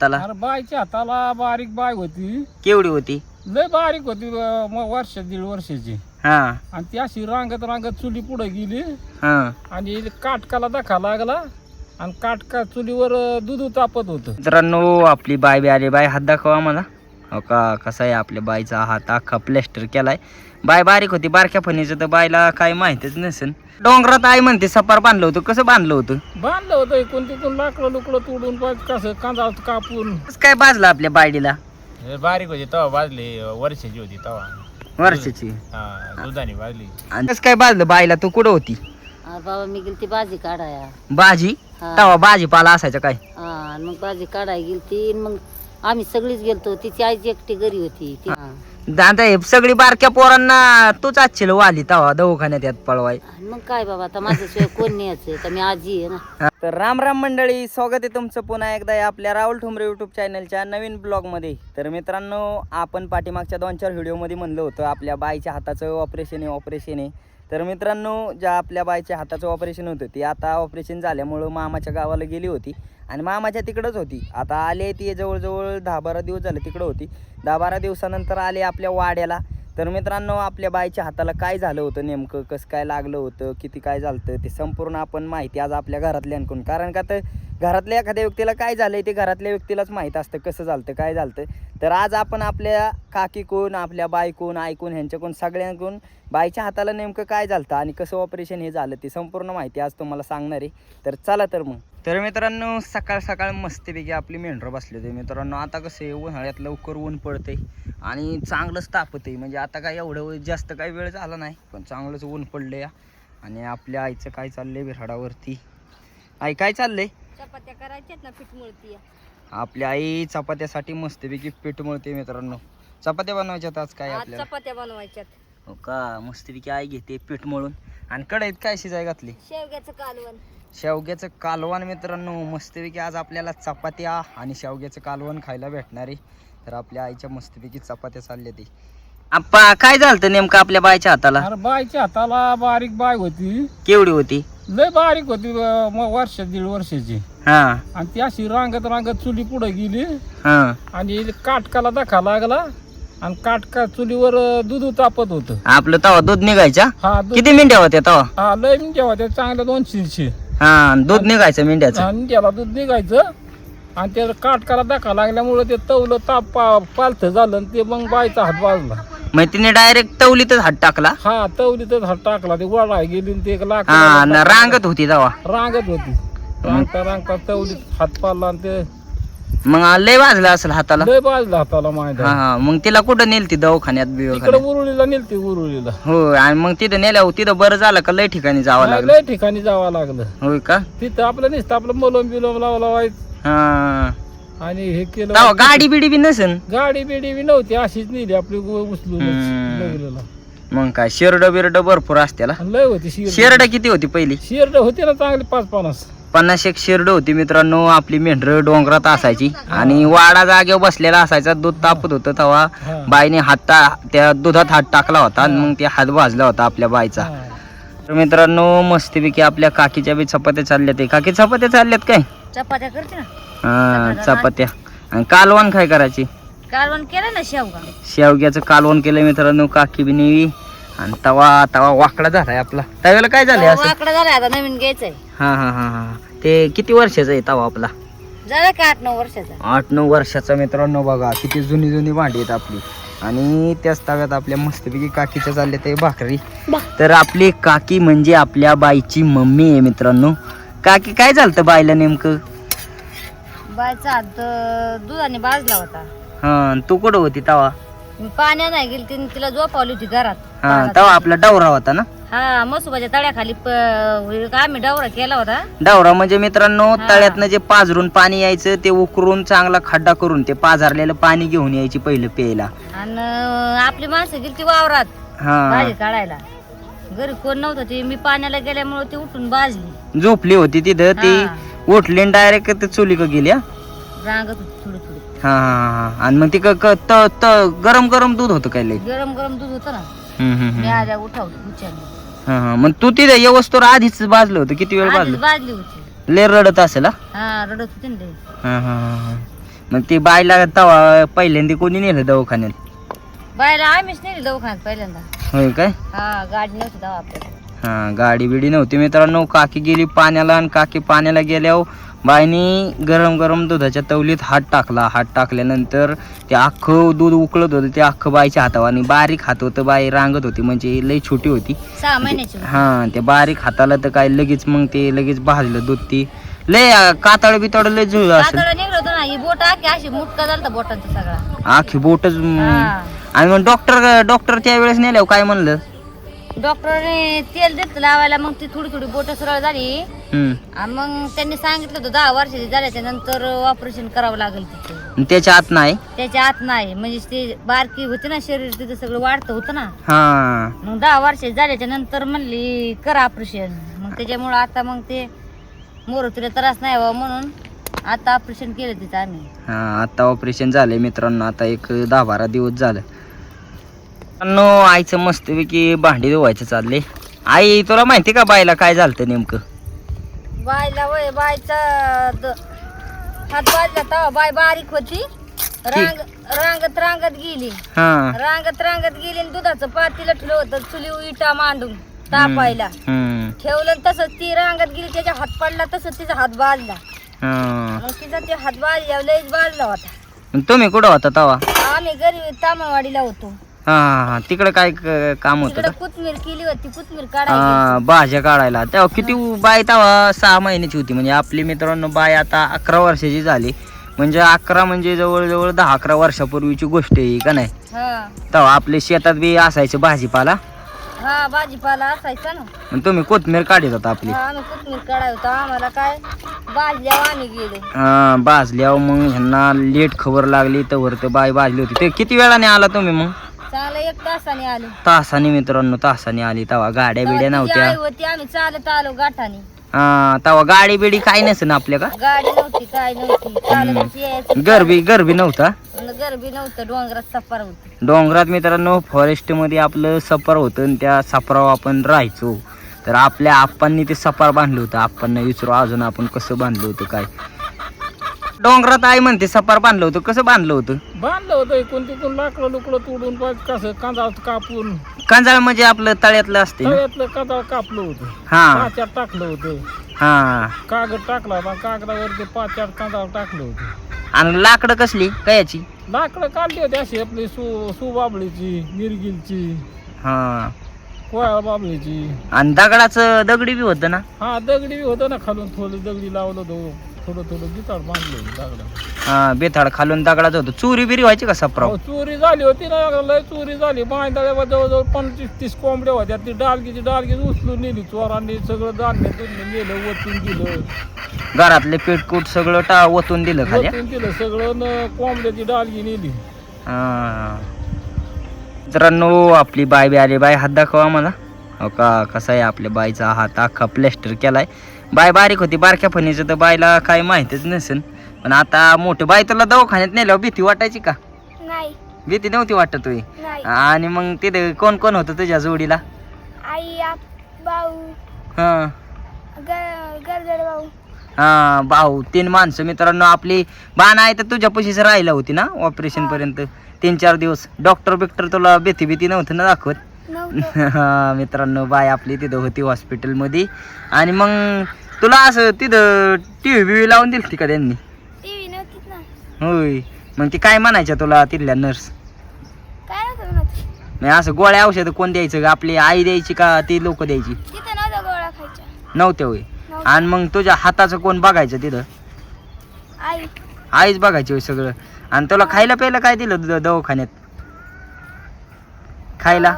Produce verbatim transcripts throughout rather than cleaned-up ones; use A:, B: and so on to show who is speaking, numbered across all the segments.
A: हाताला?
B: अरे बाईच्या हाताला बारीक बाय होती,
A: केवढी होती?
B: लय बारीक होती, अं, मग वर्ष दीड वर्षाची.
A: हा
B: आणि ती अशी रांगत रांगत चुली पुढे गेली
A: हा
B: आणि काटकाला दाखा लागला आणि काटका चुलीवर अं, दूध तापत होतं.
A: मित्रांनो आपली बाय बी आली. बाय हात दाखवा मला. हो का, कसा आहे आपल्या बाईचा हात अख्खा प्लॅस्टर केलाय. बाय बारीक होती, बारक्या फणीचं तर बायला काही माहितीच नसेल. डोंगरात आई म्हणते सपार बांधलं होतं. कसं बांधलं होतं?
B: बांधलं होतं इकून तिकून लाकडं लुकडं तोडून पाय कसं कांदा कापून.
A: कसं काय बाजलं आपल्या बायडीला?
C: बारीक होती तवा बाजली, वर्षाची होती तवा,
A: वर्षाची.
C: हा दुधाने बाजली.
A: आणि कसं काय बाजलं बायला? तू कुठं होती?
D: आ, बाबा मी गेलती भाजी काढाया.
A: भाजी?
D: हा.
A: तवा भाजीपाला असायचा काय?
D: हा आणि मग भाजी काढाय गेलती मग आम्ही सगळीच गेलतो. तिची आईची एकटी घरी होती ती. हा.
A: दादा हे सगळी बारक्या पोरांना तूच आजची वाली तवा दवाखान्यात यात पळवाय.
D: आणि मग काय बाबा आता माझ्याशिवाय कोण न्यायचं, तर मी आजी आहे ना.
A: तर राम राम मंडळी, स्वागत आहे तुमचं पुन्हा एकदा या आपल्या राहुल ठुमरे यूट्यूब चॅनलच्या नवीन ब्लॉगमध्ये. तर मित्रांनो आपण पाठीमागच्या दोन चार व्हिडिओमध्ये म्हणलं होतं आपल्या बाईच्या हाताचं ऑपरेशन आहे ऑपरेशन आहे तर मित्रांनो ज्या आपल्या बाईच्या हाताचं ऑपरेशन होतं ती आता ऑपरेशन झाल्यामुळं मामाच्या गावाला गेली होती आणि मामाच्या तिकडंच होती. आता आले ती जवळजवळ दहा बारा दिवस झाले तिकडं होती. दहा बारा दिवसानंतर आले आपल्या वाड्याला. तर मित्रांनो आपल्या बाईच्या हाताला काय झालं होतं नेमकं, कसं काय लागलं होतं, किती काय झालं होतं ते संपूर्ण आपण माहिती आज आपल्या घरातल्यांकडून. कारण का तर घरातल्या एखाद्या व्यक्तीला काय झालं आहे ते घरातल्या व्यक्तीलाच माहीत असतं कसं झालं काय झालं. तर आज आपण आपल्या काकीकून आपल्या बायकून ऐकून ह्यांच्याकडून सगळ्यांकडून बाईच्या हाताला नेमकं काय झालं आणि कसं ऑपरेशन हे झालं ती संपूर्ण माहिती आज तुम्हाला सांगणार आहे. तर चला तर मग. तर मित्रांनो सकाळ सकाळ मस्तपैकी आपली मेंढरं बसली होती मित्रांनो. आता कसं आहे उन्हाळ्यात लवकर ऊन पडते आणि चांगलंच तापत आहे. म्हणजे आता काय एवढं जास्त काही वेळ झाला नाही पण चांगलंच ऊन पडलं या. आणि आपल्या आईचं काय चाललंय विराडावरती. आई काय चाललंय?
D: चपात्या करायच्यात ना, पीठ मळती.
A: आपली आई चपात्यासाठी मस्तपैकी पीठ मळते मित्रांनो. चपात्या बनवायच्यात आज काय आपल्याला?
D: चपात्या बनवायच्यात.
A: हो का, मस्तपैकी आई घेते पीठ मळून. आणि कढईत काय शिजाय घातली?
D: शेवग्याचं कालवण.
A: शेवग्याचं कालवण मित्रांनो. मस्तपैकी आज आपल्याला चपात्या आणि शेवग्याचं कालवण खायला भेटणार आहे. तर आपल्या आईच्या मस्तपैकी चपात्या चालल्या ती. आप्पा काय झालं नेमकं आपल्या बाईच्या हाताला?
B: अरे बाईच्या हाताला बारीक बाय होती,
A: केवढी होती?
B: लय बारीक होती, अं, मग वर्ष दीड वर्षाची.
A: हा
B: आणि ती अशी रांगत रांगत चुली पुढे गेली
A: हा
B: आणि काटकाला दाखा लागला आणि काटका चुलीवर अं, दूध तापत होतं.
A: आपलं तवा दूध निघायचा?
B: हा दूध.
A: किती मिनिटं होत्या तवा?
B: हा लय मिनिटं होत्या, चांगल्या दोन शिरशे.
A: हा दूध निघायचं मिंड्याचं.
B: आणि त्याला दूध निघायचं आणि त्याला काटकाला दाखा लागल्यामुळे ते तवलं ताप पा पालथं झालं आणि ते मग बाईचा हात वाजला.
A: मग तिने डायरेक्ट तवलीतच हात टाकला?
B: हा तवलीतच हात टाकला. ते वळा गेली आणि ते एक लाकडाला
A: हा न
B: टाकलं.
A: रांगत होती तवा.
B: रांगत होती. रांगता रांगता तवलीत हात पाडला आणि ते
A: मग लय वाजलं असेल हाताला?
B: लय बाजला हाताला माहिती.
A: हा हा मग तिला कुठं नेलती दवाखान्यात
B: इकडे
A: बिवाखान्यात?
B: उरुळीला नेलती उरुळीला.
A: हो आणि मग तिथं नेल्यावर तिथं बरं झालं का लय ठिकाणी जावं
B: हा,
A: लागलं?
B: लय ठिकाणी जावं लागलं.
A: होय का?
B: तिथं आपलं नुसतं आपलं मलम बिलम लावा लावायचं
A: हा
B: आणि हे केलं.
A: तवा गाडी बिडी बी नसेल?
B: गाडी बिडी बी नव्हती, अशीच नेली आपली गो- उचलून
A: हम्म.
B: नगरीला.
A: मग काय शेरड बिरड भरपूर असते ना?
B: आणि लय होती शिरड.
A: शेरड किती होती पहिली?
B: शिरड होती ना चांगली पाच पन्नास.
A: पन्नास एक शेरड होती मित्रांनो. आपली मेंढर डोंगरात असायची आणि वाडा जागेवर बसलेला असायचा. दूध तापत होतं तेव्हा
B: हा.
A: बाईने हात टा- त्या दुधात हात टाकला होता आणि मग ते हात भाजला होता आपल्या बाईचा.
B: हा.
A: तर मित्रांनो मस्तपैकी आपल्या काकीच्या बी चपात्या चालल्यात. आहे काकी चपात्या चालल्यात काय?
D: चपात्या करते ना.
A: हा चपात्या. आणि कालवण काय करायची?
D: कालवण केलं ना शेवगा.
A: शेवग्याचं कालवण केलं मित्रांनो काकी बी नेवी. आणि तवा तवा वाकडा झालाय आपला. तव्याला काय झालंय असं?
D: वाकडं झालं आता, नवीन घ्यायचंय.
A: हा हा हा हा ते किती वर्षाचा आहे तवा आपला?
D: झालं का आठ नऊ वर्षाचा.
A: आठ नऊ वर्षाचा मित्रांनो. बघा किती जुनी जुनी भांडी आहेत आपली. आणि त्याच तव्यात आपल्या मस्तपैकी काकीच्या चालल्या ते भाकरी. तर आपली काकी म्हणजे आपल्या बाईची मम्मी आहे मित्रांनो. काकी काय झालं बाईला नेमकं?
D: बायचा हात अं, दुधाने भाजला होता.
A: हा तू कुठं होती तवा?
D: मी पाण्यात नाही गेली, तिने तिला झोपावली होती घरात.
A: हा तवा आपला डवरा होता ना?
D: हा मसुबाच्या तळ्याखाली प- आम्ही डवरा केला होता.
A: डवरा म्हणजे मित्रांनो
D: हा.
A: तळ्यातनं जे पाझरून पाणी यायचं ते उकरून चांगला खड्डा करून ते पाझरलेलं पाणी घेऊन यायची पहिलं प्यायला.
D: आणि अं, आपली माणसं गेली ती वावरात
A: हा
D: भाजी काढायला. घरी कोण नव्हतं, ते मी पाण्याला गेल्यामुळे ती उठून भाजली.
A: झोपली होती तिथं ती. उठली डायरेक्ट चुली का गेली? हा
D: रांगत होती थोडी थोडी.
A: हा हा. आणि मग ती क- क- त- त- गरम गरम दूध होतं काय लय?
D: गरम गरम दूध होतं ना.
A: हम्म, हम्म,
D: मी
A: हम्म.
D: आल्या उठावली उचलली.
A: हा हा. मग तू तिथे येवस्तोर आधीच भाजलं होतं? किती वेळ
D: आधीच
A: भाजलं?
D: भाजली होती.
A: लय रडत असेल? हा
D: हा रडत होती ना लई.
A: हा हा हा. मग ती बाईला तवा पहिल्यांदा कोणी नेलं दवाखान्यात?
D: बायला आम्हीच नेली दवाखान्यात पहिल्यांदा.
A: होय काय?
D: हा गाडी नव्हती तेव्हा आपल्याला.
A: हा गाडी बिडी नव्हती मित्रांनो. काकी गेली पाण्याला आणि काकी पाण्याला गेल्यावर बाईनी गरम गरम दुधाच्या तवलीत हात टाकला. हात टाकल्यानंतर ते अख्खं दूध उकळत होतं, ते अख्खं बाईच्या हातावर आणि बारीक हात होतं. बाई रांगत होती म्हणजे लई छोटी होती.
D: सहा महिन्याची होती.
A: हा ते बारीक हाताला तर काय लगेच मग ते लगेच भाजलं दूध. ती लय कातळ बितळ लय जुळ असेल.
D: कातडं निघलं होतं ना, ही बोट आखी अशी मुटका झालता बोटांचा सगळा.
A: आखी बोटच.
D: हा.
A: आणि मग डॉक्टर डॉक्टर त्या वेळेस नेल्यावर काय म्हणलं?
D: डॉक्टरने तेल देत लावायला, मग ती थोडी थोडी बोट सरळ झाली.
A: हम्म.
D: आणि मग त्यांनी सांगितलं होतं दहा वर्षाची झाल्याच्या नंतर ऑपरेशन करावं लागेल तिथे.
A: आणि त्याच्या आत नाही.
D: त्याच्या आत नाही म्हणजे ते बारकी होती ना, शरीर तिथं सगळं वाढतं होतं ना.
A: हा
D: मग दहा वर्षाची झाल्याच्या नंतर म्हणली करा ऑपरेशन. मग त्याच्यामुळं आता मग ते मोर तुला त्रास नाही व्हावा म्हणून आता ऑपरेशन केलं तिथं आम्ही.
A: हा आता ऑपरेशन झालंय मित्रांनो. आता एक दहा बारा दिवस झालं. मित्रांनो आईचं मस्तपैकी भांडी धुवायचं चालले. आई तुला माहिती का बाईला काय झालं नेमकं?
D: बायला वय बायचा द- हात बाजला तेव्हा बाय बारीक होती. रांग रांगत रांगत गेली.
A: हा
D: रांगत रांगत गेली आणि दुधाचं पातेलं ठेवलं होतं चुली इटा मांडून तापायला
A: हम्म.
D: ठेवलं आणि तसंच ती रांगत गेली, त्याच्या हात पडला तसंच तिचा हात बाजला.
A: हा.
D: मग तिचा ते हात बाजल्यावर लयच बाजला होता.
A: मग तुम्ही कुठं होता तवा?
D: आम्ही घरी तामळवाडीला होतो.
A: हा हा हा तिकडं काय क- काम होतं
D: तिकडे
A: का?
D: कोथमीर केली होती, कोथमीर
A: हा
D: काढायची.
A: भाज्या काढायला. तेव्हा किती बाय तेव्हा सहा महिन्याची होती. म्हणजे आपली मित्रांनो बाय आता अकरा वर्षाची झाली. म्हणजे अकरा म्हणजे जवळजवळ दहा अकरा वर्षापूर्वीची गोष्ट आहे का नाही?
D: हा
A: तेव्हा आपल्या शेतात बी असायचं भाजीपाला.
D: हा भाजीपाला असायचा ना.
A: मग तुम्ही कोथमीर काढत होता आपली.
D: हा, आम्ही कोथमीर काढाय होतो. आम्हाला काय भाजल्यावर आम्ही गेलो.
A: हा भाजल्यावर मग ह्यांना लेट खबर लागली तर तर बाय भाजली होती. ते किती वेळाने आला तुम्ही? मग
D: चांगलं एक तासाने आलो.
A: तासाने मित्रांनो, तासाने आली. तेव्हा गाड्या बिड्या
D: तेव्हा तिची
A: नव्हत्या.
D: आई होती, आम्ही चालत आलो गाठाने.
A: हा तेव्हा गाडी बिडी काही नसे ना आपल्या का?
D: गाडी नव्हती काय नव्हती, चालतच यायचं.
A: गरबी गरबी नव्हता.
D: गरबी नव्हतं, डोंगरात सफार होती.
A: डोंगरात मित्रांनो फॉरेस्ट मध्ये आपलं सफर होतं आणि त्या सफरावर आपण राहायचो. तर आपल्या आप्पांनी ते सफार बांधलं होतं. आप्पांना विचारू अजून आपण कसं बांधलं होतं काय. डोंगरात आई म्हणते सफार बांधलं होतं. कसं बांधलं होतं?
B: बांधलं होतं इकडून तिकडून लाकडं लुकडं तोडून पाहिजे कसं कांदा कापून
A: कांजाळ म्हणजे आपलं तळ्यातलं असते ना?
B: तळ्यातलं कांदा कापलं होतं.
A: हा
B: पाच्यात टाकलं होतं.
A: हा.
B: कागद टाकला होता, कागदावर ते पाच्यात कांदा टाकलं होतं.
A: आणि लाकडं कसली कयाची?
B: लाकडं काढली होती अशी आपली सु सुबाबळीची, निरगिलची,
A: हा.
B: कोयाळ बाबळीची.
A: आणि दगडाचं दगडी बी होतं ना?
B: हा दगडी बी होतं ना खालून, थोडं दगडी लावलं होतं, थोडं थोडं गिताड बांधलं होतं दगडा.
A: हा बेथाड खालून दगडाचं होतं. चोरी बिरी व्हायची का सफराव?
B: अहो, चोरी झाली होती ना, लय चोरी झाली. बांधल्यावर जवळजवळ पंचवीस तीस कोंबड्या होत्या. ती डालगीची डालगी उचलून नेली चोरांनी. सगळं धान्य दुन्य नेलं, ओतून दिलं.
A: घरातले पेटकूट सगळं टा ओतून दिलं खाली.
B: ओतून दिलं सगळं न कोंबड्याची डालगी नेली.
A: हा. मित्रांनो आपली बाय बी आली. बाय हात दाखवा मला. हो का कसा आहे आपल्या बाईचा हात अख्खा प्लॅस्टर केलाय. बाय बारीक होती बारक्या फणीचं तर बायला काही माहितीच नसेल. पण आता मोठे बाय तुला दवाखान्यात नेल्यावर भीती वाटायची का?
D: नाही
A: भीती नव्हती वाटत होय?
D: नाही.
A: आणि मग तिथे कोण कोण होतं तुझ्या जोडीला?
D: आई भाऊ
A: हा
D: गरजड भाऊ.
A: हा भाऊ तीन माणसं. मित्रांनो आपली बाण आहे तर तुझ्या पशीच राहिला होती ना ऑपरेशन पर्यंत तीन चार दिवस. डॉक्टर बिक्टर तुला भीती भीती नव्हतं ना दाखवत? हा मित्रांनो बाय आपली तिथं होती हॉस्पिटलमध्ये. आणि मग तुला असं तिथं टी व्ही बिव्ही लावून दिली का त्यांनी?
D: टीव्ही नव्हतीच ना.
A: होय. मग ती काय म्हणायच्या तुला तिथल्या नर्स?
D: काय नव्हतं म्हणत.
A: म्हणजे असं गोळ्या औषधं कोण द्यायचं? आपली आई द्यायची का ती लोक द्यायची?
D: तिथं नव्हत्या गोळ्या खायच्या.
A: नव्हत्या होय. आणि मग तुझ्या हाताचं कोण बघायचं तिथं?
D: आई
A: आईच बघायची होय सगळं. आणि तुला खायला प्यायला काय दिलं द- दवाखान्यात खायला?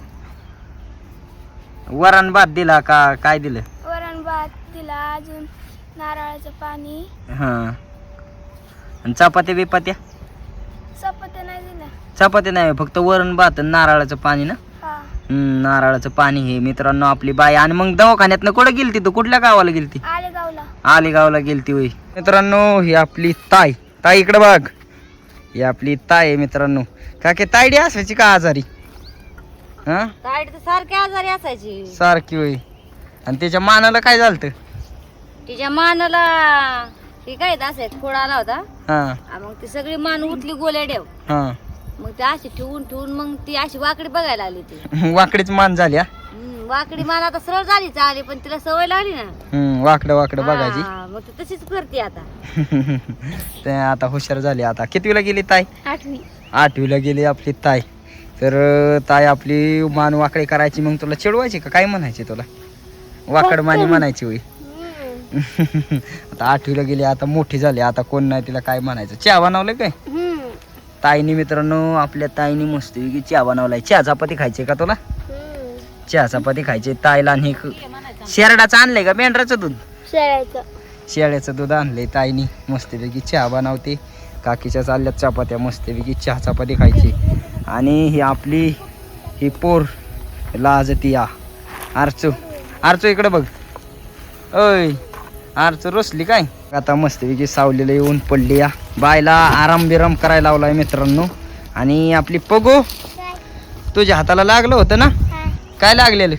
A: वरण भात दिला का काय दिलं?
D: वरण भात दिला, अजून नारळाचं पाणी.
A: हा. आणि चपात्या बिपात्या?
D: चपात्या नाही दिल्या.
A: चपात्या नाही फक्त वरण भात आणि नारळाचं पाणी ना?
D: हा
A: हम्म नारळाचं पाणी. हे मित्रांनो आपली बाई. आणि मग दवाखान्यात कुठं गेलती तू? कुठल्या गावाला गेलती?
D: आलेगावला.
A: आलेगावला गेलती होय. मित्रांनो ही आपली ताई. ताई इकडे बघ. ही आपली ताई आहे मित्रांनो. का की तायडी असायची का आजारी? हा
D: ताईड तर सारखी आजारी असायची.
A: सारखी होय. आणि त्याच्या मानाला काय झालं?
D: तिच्या मानाला हे काय असं फोड आला होता
A: हा
D: आ, मग ती सगळी मान उठली गोल्या ठेव
A: हा
D: मग ती अशी ठेवून ठेवून मग ती अशी वाकडी बघायला आली ती
A: वाकडीच मान झाली हा
D: हम्म, वाकडी मान आता सरळ झाली चालली पण तिला सवय लागली ना
A: हम्म, वाकडं वाकडं बघायची
D: हा, मग ती तशीच करते आता
A: ते आता हुशार झाली आता कितवीला गेली ताई
D: आठवी
A: आठवीला गेली आपली ताई तर अं, ताई आपली मान वाकडी करायची मग तुला चिडवायची का काय म्हणायची तुला वाकड मानी म्हणायची होई आता आठवीला गेली आता मोठी झाली आता कोण नाही तिला काय म्हणायचं चहा बनवलं काय ताईनी मित्रांनो आपल्या ताईनी मस्त चहा बनवलाय चहा चपाती खायची का तुला चहा चपाती खायची ताईला आणि शेरडाचं आणलंय का मेंढराचं दूध शेळ्याचं दूध आणलंय ताईनी मस्तपैकी चहा बनवते काकीच्या चालल्यात चपात्या मस्तपैकी चहा चपाती खायची आणि ही आपली ही पोर लाजती या आरचू आरचू इकडे बघ ओय आरचू रोसली काय आता मस्तपैकी सावलीला येऊन पडली या बायला आराम बिराम करायला लावलाय मित्रांनो आणि आपली पगो तुझ्या हाताला लागलं होतं ना काय लागलेलं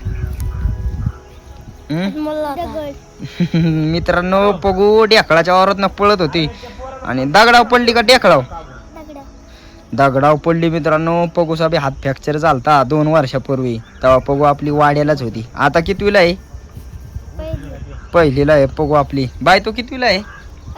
A: मित्रांनो पगू ढेकळाच्या वावरात पळत होती आणि दगडाव पडली का ढेकळाव दगडाव पडली मित्रांनो पगूचा बी हात फ्रॅक्चर झालता दोन वर्षापूर्वी तेव्हा पगू आपली वाड्यालाच होती आता कितवीला आहे पहिलीला आहे पगू आपली बाय तो कितवीला आहे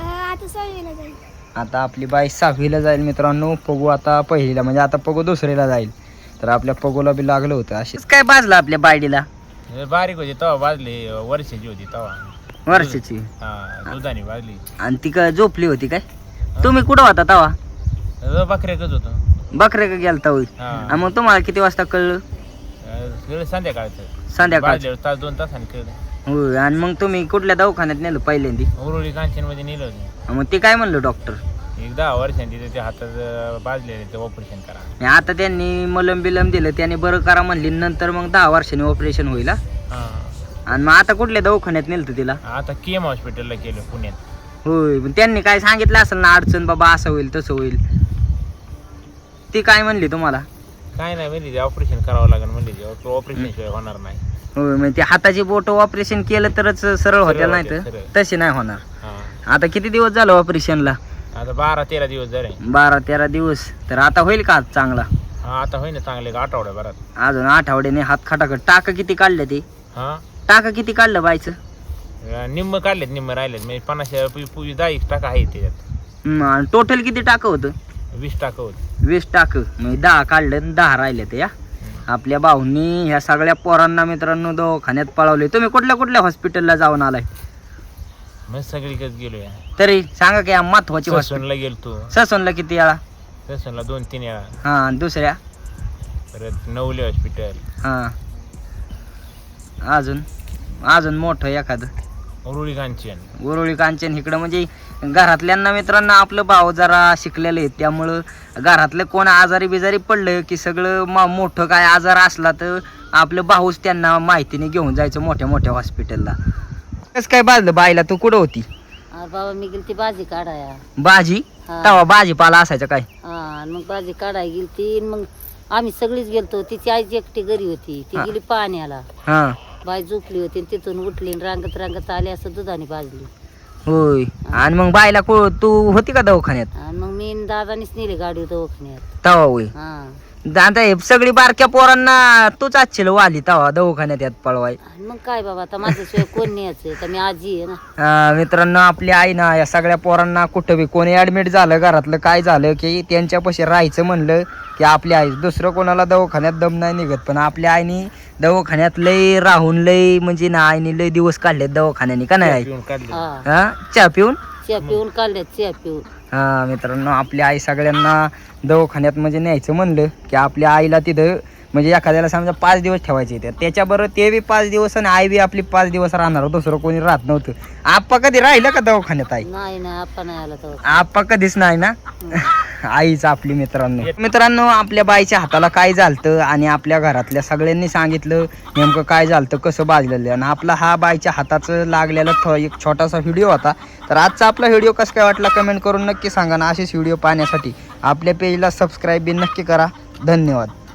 A: आता आपली बाई सहावीला जाईल मित्रांनो पगू आता पहिलीला म्हणजे आता पगू दुसरीला जाईल तर आपल्या पगूला बी लागलं होतं अशीच काय बाजलं आपल्या बायडीला
C: बारीक होती तेव्हा बाजली वर्षाची होती तेव्हा
A: वर्षाची
C: हा दुधाने बाजली
A: आणि ती काय झोपली होती काय तुम्ही कुठं होता तवा
C: बकऱ्याकच होतो
A: बकऱ्या का गेलता होई
C: हा
A: आणि मग तुम्हाला किती वाजता कळलं
C: अं, संध्याकाळचं
A: संध्याकाळ
C: बाजल्यावर तास दोन तासांनी खेळलं
A: होय आणि मग तुम्ही कुठल्या दवाखान्यात नेलं पहिल्यांदी
C: उरुळी कांचन मध्ये नेलं होतं
A: मग ते काय म्हणलं डॉक्टर
C: एक दहा वर्षांनी त्याच्या हातात बाजलेले ते ऑपरेशन करा
A: आणि आता त्यांनी मलम बिलम दिलं त्याने बरं करा म्हणली नंतर मग दहा वर्षांनी ऑपरेशन होईल हा?
C: हा
A: आणि मग आता कुठल्या दवाखान्यात नेलं तिला
C: आता केम हॉस्पिटलला केलं पुण्यात
A: होय पण त्यांनी काय सांगितलं असेल ना अडचण बाबा असं होईल तसं होईल ती काय म्हणली तुम्हाला
C: काय नाही म्हणजे ते ऑपरेशन करावं लागेल म्हणजे ऑपरेशन शिवाय होणार नाही
A: होय म्हणजे ते हाताची बोट ऑपरेशन केलं तरच सरळ होत्या नाही तर
C: सरळ.
A: तसे नाही होणार
C: हा
A: आता किती दिवस झालं ऑपरेशनला
C: आता बारा तेरा दिवस झाले
A: बारा तेरा दिवस तर आता होईल का चांगला
C: हा आता होईना चांगले आठवड्या भरात
A: अजून आठवड्याने हात खाटाकट टाका किती काढले ते
C: हा
A: टाका किती काढलं बायचं
C: अं, निम्म काढलेत निम्म राहिलेत म्हणजे पन्नास पूर्वी दहा एक टाका आहे त्याच्यात
A: टोटल किती टाकं होतं
C: वीस टाका होत
A: वीस टाकं म्हणजे दहा काढलं आणि दहा राहिले ते या आपल्या भाऊंनी ह्या सगळ्या पोरांना मित्रांनो दवाखान्यात पळवले तुम्ही कुठल्या कुठल्या हॉस्पिटलला जाऊन आलाय
C: मग सगळीकडेच गेलोय
A: तरी सांगा की महत्वाची हॉस्पिटल
C: ससूनला गेलतो
A: ससोनला किती वेळा
C: ससूनला दोन तीन वेळा
A: हा आणि दुसऱ्या
C: परत नवले हॉस्पिटल
A: हा अजून अजून मोठं एखादं
C: उरुळी कांचन
A: उरुळी कांचन इकडं म्हणजे घरातल्यांना मित्रांना आपलं भाव जरा शिकलेले आहेत त्यामुळं घरातलं कोण आजारी बिजारी पडलं की सगळं मा मोठं काय आजार असला तर आपलं भाऊच त्यांना माहितीने घेऊन जायचं मोठ्या मोठ्या हॉस्पिटलला कसं काय बाजलं बाईला तू कुठं होती
D: आ, बाबा मी गेली ती भाजी काढाया
A: भाजी
D: हा.
A: तवा भाजीपाला असायचा काय
D: हा आणि मग भाजी काढाय गेली ती मग आम्ही सगळीच गेलतो तिची आईची एकटी घरी होती ती
A: हा.
D: गेली पाण्याला
A: हा
D: बाई झोपली होती आणि तिथून उठली आणि रांगत रांगत आली असं दुधाने भाजली
A: होय आणि मग बाईला को तू होती का दवाखान्यात
D: आणि मग मी आणि दादानीच नेली गाडी दवाखान्यात
A: तवा होय
D: हा
A: आता हे सगळी बारक्या पोरांना तूच आजशील वाली तवा दवाखान्यात यात पळवाय
D: आणि मग काय बाबा आता माझ्याशिवाय कोण न्यायचं तर मी आजी आहे ना
A: अं, मित्रांनो आपली आई ना या सगळ्या पोरांना कुठं बी कोणी ऍडमिट झालं घरातलं काय झालं की त्यांच्यापाशी राहायचं म्हणलं की आपली आई दुसरं कोणाला दवाखान्यात दम नाही निघत पण आपल्या आईनी दवाखान्यात लय राहून लय म्हणजे ना आईने लय दिवस काढलेत दवाखान्याने का नाही आई
C: पिऊन काढले
D: हा
A: हा चहा पिऊन
D: चिया पिऊन काढल्यात चिया पिऊन
A: हा मित्रांनो आपली आई सगळ्यांना दवाखान्यात म्हणजे न्यायचं म्हणलं की आपल्या आईला तिथं म्हणजे एखाद्याला समजा पाच दिवस ठेवायचे तर त्याच्याबरोबर ते बी पाच दिवस आणि आई बी आपली पाच दिवस राहणार दुसरं कोणी राहत नव्हतं आप्पा कधी राहिलं का दवाखान्यात आई
D: नाही नाही आपण नाही आला तर
A: आप्पा कधीच नाही ना आईच आपली मित्रांनो मित्रांनो आपल्या बाईच्या हाताला काय झालतं आणि आपल्या घरातल्या सगळ्यांनी सांगितलं नेमकं काय झालतं कसं बाजलेलं आणि आपला हा बाईच्या हाताचं लागलेला थो एक छोटासा व्हिडिओ होता तर आजचा आपला व्हिडिओ कसं काय वाटला कमेंट करून नक्की सांगा ना असेच व्हिडिओ पाहण्यासाठी आपल्या पेजला सबस्क्राईब बी नक्की करा धन्यवाद.